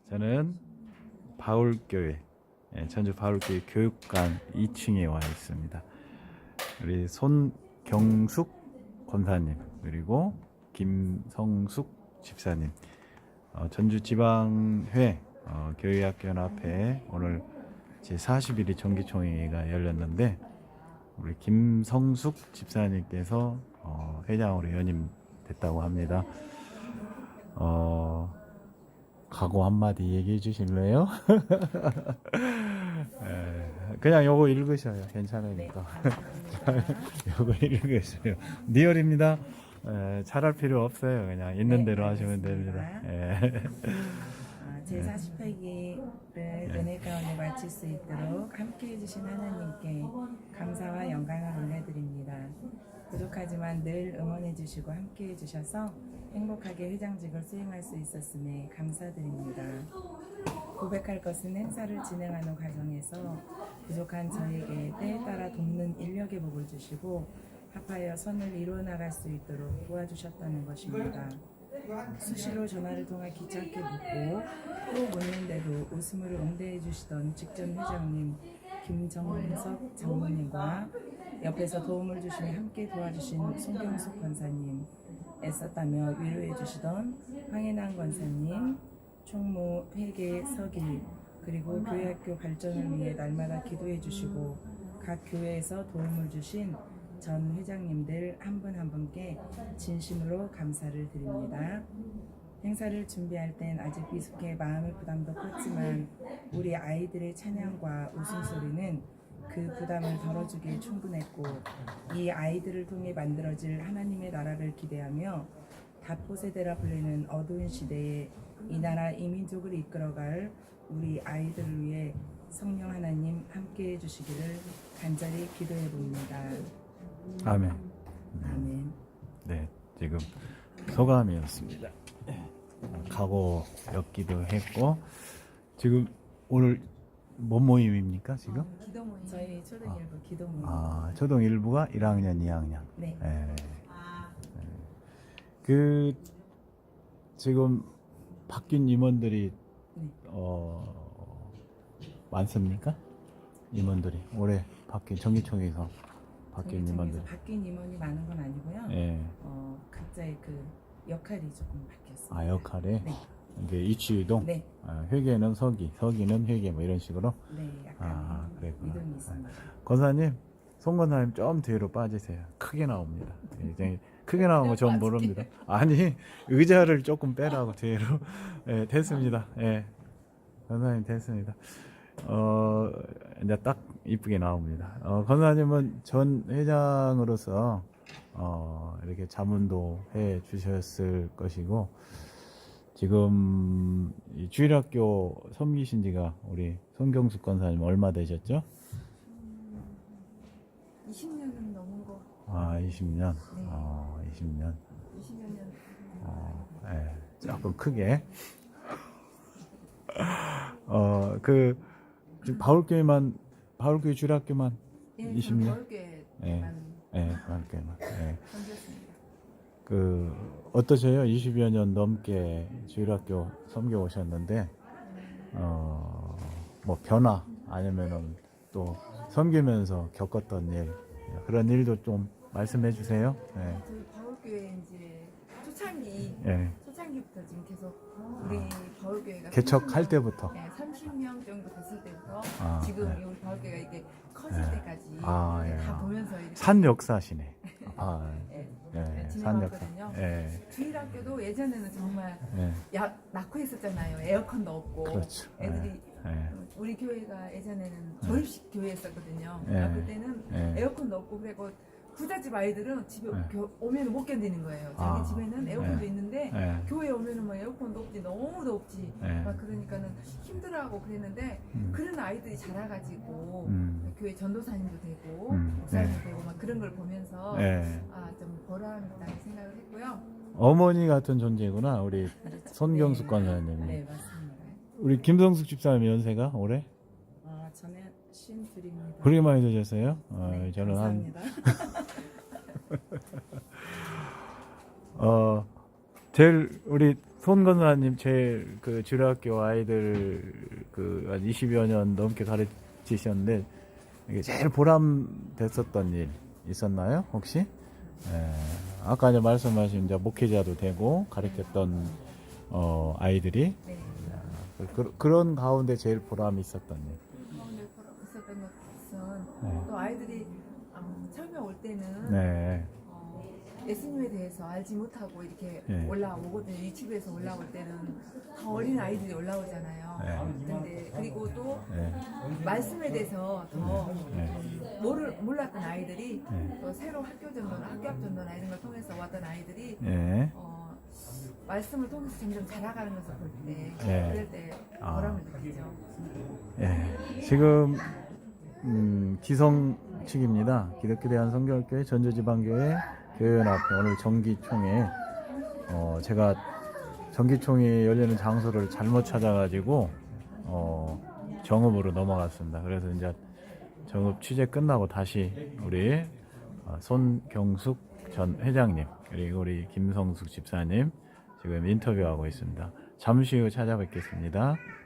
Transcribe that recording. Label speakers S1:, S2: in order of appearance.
S1: 저는 바울교회, 전주 바울교회 교육관 2층에 와 있습니다. 우리 손경숙 권사님 그리고 김성숙 집사님, 전주지방회 교회학연합회 오늘 제41위 정기총회가 열렸는데 우리 김성숙 집사님께서 회장으로 연임됐다고 합니다. 각오 한마디 얘기해 주실래요? 그냥 요거 읽으셔요. 괜찮으니까. 요거 읽으세요. 리얼입니다. 잘할 필요 없어요. 그냥 있는 대로 하시면 됩니다.
S2: 제48기를 은혜 가운데 마칠 수 있도록 함께 해주신 하나님께 감사와 영광을 올려드립니다. 부족하지만 늘 응원해 주시고 함께 해주셔서 행복하게 회장직을 수행할 수 있었음에 감사드립니다. 고백할 것은 행사를 진행하는 과정에서 부족한 저에게 때에 따라 돕는 인력의 복을 주시고 합하여 선을 이루어 나갈 수 있도록 도와주셨다는 것입니다. 수시로 전화를 통해 귀찮게 묻고 또 묻는데도 웃음으로 응대해 주시던 직전 회장님 김정석 장모님과 옆에서 도움을 주시며 함께 도와주신 손경숙 권사님, 애썼다며 위로해 주시던 황혜남 권사님, 총무 회계 서길, 그리고 교회학교 발전을 위해 날마다 기도해 주시고 각 교회에서 도움을 주신 전 회장님들 한 분 한 분께 진심으로 감사를 드립니다. 행사를 준비할 땐 아직 미숙해 마음의 부담도 컸지만 우리 아이들의 찬양과 웃음소리는 그 부담을 덜어주기에 충분했고 이 아이들을 통해 만들어질 하나님의 나라를 기대하며 다포세대라 불리는 어두운 시대에 이 나라 이 민족을 이끌어갈 우리 아이들을 위해 성령 하나님 함께 해주시기를 간절히 기도해 봅니다.
S1: 아멘.
S2: 아멘.
S1: 네, 지금 소감이었습니다. 각오 였기도 했고 지금 오늘 뭔 모임입니까 지금?
S2: 기도 모임. 저희 초등 일부 기도 모임.
S1: 초등 1부가 1학년, 2학년.
S2: 네.
S1: 그 지금 바뀐 임원들이
S2: 네.
S1: 많습니까? 임원들이 올해 바뀐 정기총회에서 바뀐 임원들.
S2: 바뀐 임원이 많은 건 아니고요.
S1: 예.
S2: 각자의 그 역할이 조금 바뀌었습니다.
S1: 역할에
S2: 네.
S1: 이게 이치유동.
S2: 네.
S1: 회계는 서기는 회계 뭐 이런 식으로.
S2: 네, 약간
S1: 그랬구나.
S2: 이동이 있습니다.
S1: 권사님, 송 권사님 좀 뒤로 빠지세요. 크게 나옵니다. 이제 크게 나오면 전 모릅니다. 아니 의자를 조금 빼라고 뒤로. 됐습니다. 권사님 됐습니다. 이제 딱 이쁘게 나옵니다. 권사님은 전 회장으로서 이렇게 자문도 해 주셨을 것이고 지금 이 주일학교 섬기신 지가 우리 손경숙 권사님 얼마 되셨죠?
S2: 20년은 넘은 거.
S1: 20년.
S2: 네.
S1: 20년.
S2: 20년.
S1: 조금 크게. 지금 바울교회 주일학교만 20년. 바울교회만. 어떠세요? 20여 년 넘게 주일학교 섬겨 오셨는데, 뭐 변화 아니면은 또 섬기면서 겪었던 일, 그런 일도 좀 말씀해 주세요.
S3: 저희 바울교회 이제 초창기부터 지금 계속 우리 바울교회가
S1: 개척할 때부터
S3: 30명 정도 됐을 때부터 지금
S1: 네.
S3: 우리 바울교회가 이렇게 커질 때까지 다 보면서 이렇게
S1: 산 역사시네. 산 역사.
S3: 진행왔거든요. 주일학교도 예전에는 정말 낳고 했었잖아요. 에어컨도 없고
S1: 그렇죠.
S3: 애들이 우리 교회가 예전에는 조립식 교회였었거든요.
S1: 네.
S3: 그때는 에어컨도 없고 그리고 부잣집 아이들은 집에 오면 못 견디는 거예요. 자기 집에는 에어컨도 있는데 교회에 오면은 뭐 에어컨도 없지, 너무 덥지. 막 그러니까는 힘들어하고 그랬는데 그런 아이들이 자라가지고 교회 전도사님도 되고 목사님도 되고 막 그런 걸 보면서 좀 보람이 있다는 생각을 했고요.
S1: 어머니 같은 존재구나 우리 손경숙 권사님.
S2: 네, 맞습니다.
S1: 우리 김성숙 집사님 연세가 올해?
S2: 저는 52입니다.
S1: 그렇게 많이 되셨어요?
S2: 네,
S1: 저는
S2: 감사합니다.
S1: 제일 우리 손 권사님 제일 그 주례학교 아이들 그 한 20여 년 넘게 가르치셨는데 이게 제일 보람 됐었던 일 있었나요? 혹시? 예, 아까 이제 말씀하신 이제 목회자도 되고 가르쳤던 아이들이
S3: 네.
S1: 그런 가운데 제일 보람이 있었던 일.
S3: 가운데 있었던 것은
S1: 네.
S3: 또 아이들이 처음에 올 때는
S1: 네.
S3: 예수님에 대해서 알지 못하고 이렇게
S1: 네.
S3: 올라오거든요. 유치부에서 올라올 때는 더 어린 아이들이 올라오잖아요.
S1: 네.
S3: 근데 그리고 또
S1: 네.
S3: 말씀에 대해서 더
S1: 네.
S3: 몰랐던 아이들이
S1: 네.
S3: 또 새로 학교 전도나 학교 앞 전도나 이런 걸 통해서 왔던 아이들이
S1: 네.
S3: 말씀을 통해서 점점 자라가는 것을 볼 때
S1: 네.
S3: 그럴 때 보람을 느끼죠.
S1: 예, 지금 기성 측입니다. 기독교 대한성결교회 전주지방교회 교회연합회 오늘 정기총회 제가 정기총회 열리는 장소를 잘못 찾아가지고 정읍으로 넘어갔습니다. 그래서 이제 정읍 취재 끝나고 다시 우리 손경숙 전 회장님 그리고 우리 김성숙 집사님 지금 인터뷰하고 있습니다. 잠시 후 찾아뵙겠습니다.